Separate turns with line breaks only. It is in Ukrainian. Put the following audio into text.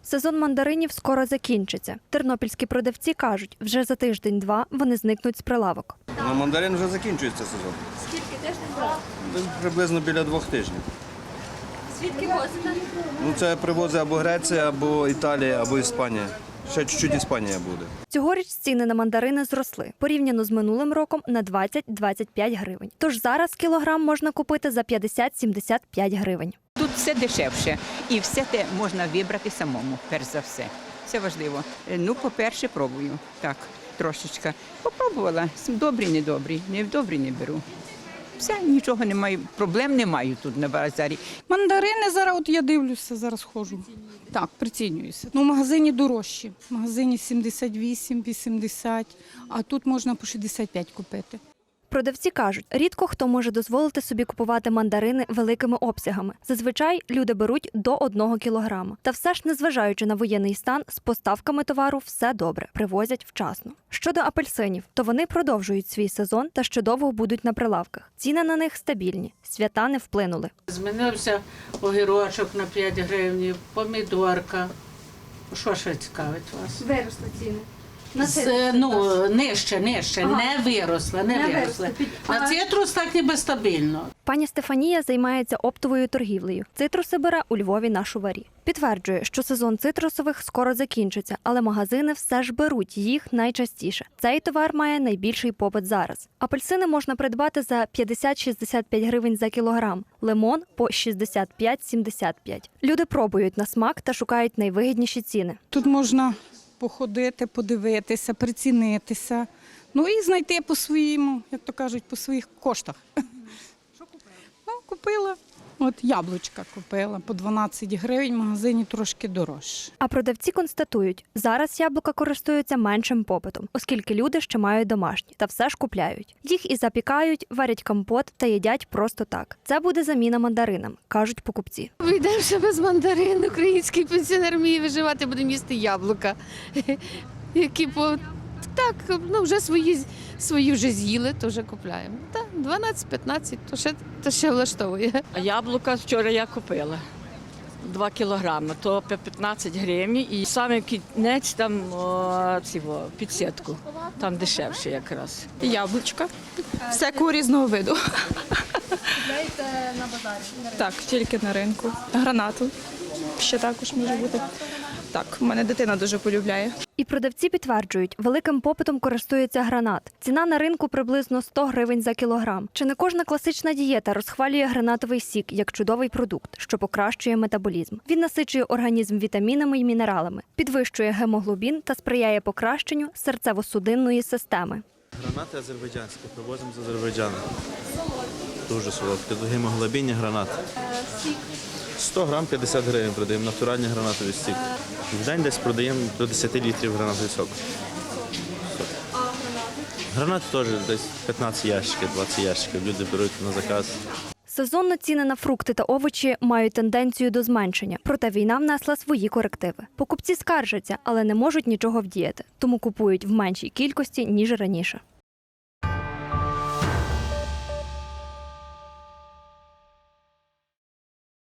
Сезон мандаринів скоро закінчиться. Тернопільські продавці кажуть, вже за тиждень-два вони зникнуть з прилавок.
На мандарин вже закінчується сезон.
Скільки тиждень?
Десь приблизно біля 2 тижнів.
Звідки возите?
Це привозить або Греція, або Італія, або Іспанія. Ще чуть-чуть Іспанія буде.
Цьогоріч ціни на мандарини зросли. Порівняно з минулим роком на 20-25 гривень. Тож зараз кілограм можна купити за 50-75 гривень.
Тут все дешевше і все те можна вибрати самому, перш за все. Це важливо. По-перше, пробую. Так, трошечки. Попробувала. Добрі, недобрі. Недобрі не беру. Все, нічого немає, проблем немає тут на базарі.
Мандарини зараз, я дивлюся, зараз ходжу. Так, прицінююся. В магазині дорожчі. В магазині 78-80, а тут можна по 65 купити.
Продавці кажуть, рідко хто може дозволити собі купувати мандарини великими обсягами. Зазвичай люди беруть до 1 кілограма. Та все ж, незважаючи на воєнний стан, з поставками товару все добре, привозять вчасно. Щодо апельсинів, то вони продовжують свій сезон та ще довго будуть на прилавках. Ціни на них стабільні, свята не вплинули.
Змінився огірочок на 5 гривень, помідорка. Що ще цікавить вас?
Виросли ціни.
Нижче, не виросла. На цитрус так ніби стабільно.
Пані Стефанія займається оптовою торгівлею. Цитруси бере у Львові на Шуварі. Підтверджує, що сезон цитрусових скоро закінчиться, але магазини все ж беруть їх найчастіше. Цей товар має найбільший попит зараз. Апельсини можна придбати за 50-65 гривень за кілограм, лимон – по 65-75. Люди пробують на смак та шукають найвигідніші ціни.
Тут можна походити, подивитися, прицінитися, і знайти по своєму, як то кажуть, по своїх коштах. Що купила? Купила. Яблучка купила по 12 гривень, в магазині трошки дорожче.
А продавці констатують, зараз яблука користуються меншим попитом, оскільки люди ще мають домашні та все ж купляють. Їх і запікають, варять компот та їдять просто так. Це буде заміна мандаринам, кажуть покупці.
Вийдемо без мандарин, український пенсіонер вміє виживати, будемо їсти яблука, які вже свої вже з'їли, то вже купляємо. 12-15, то ще влаштовує.
А яблука вчора я купила 2 кілограми, то по 15 гривень. І саме кінець там під сітку, там дешевше якраз.
Яблучка, всякого різного виду.
Купляєте на базарі?
Так, тільки на ринку. Гранату ще також може бути. Так, в мене дитина дуже полюбляє.
І продавці підтверджують, великим попитом користується гранат. Ціна на ринку приблизно 100 гривень за кілограм. Чи не кожна класична дієта розхвалює гранатовий сік як чудовий продукт, що покращує метаболізм. Він насичує організм вітамінами і мінералами, підвищує гемоглобін та сприяє покращенню серцево-судинної системи.
Гранати азербайджанські, привозимо з Азербайджану. Дуже солодкі, гемоглобінні гранати.
Сік?
100 грам 50 гривень продаємо, натуральні гранатові стік. В день десь продаємо до 10 літрів гранатовий сок. Гранати теж десь 15 ящиків, 20 ящиків, люди беруть на заказ.
Сезонно ціни на фрукти та овочі мають тенденцію до зменшення, проте війна внесла свої корективи. Покупці скаржаться, але не можуть нічого вдіяти, тому купують в меншій кількості, ніж раніше.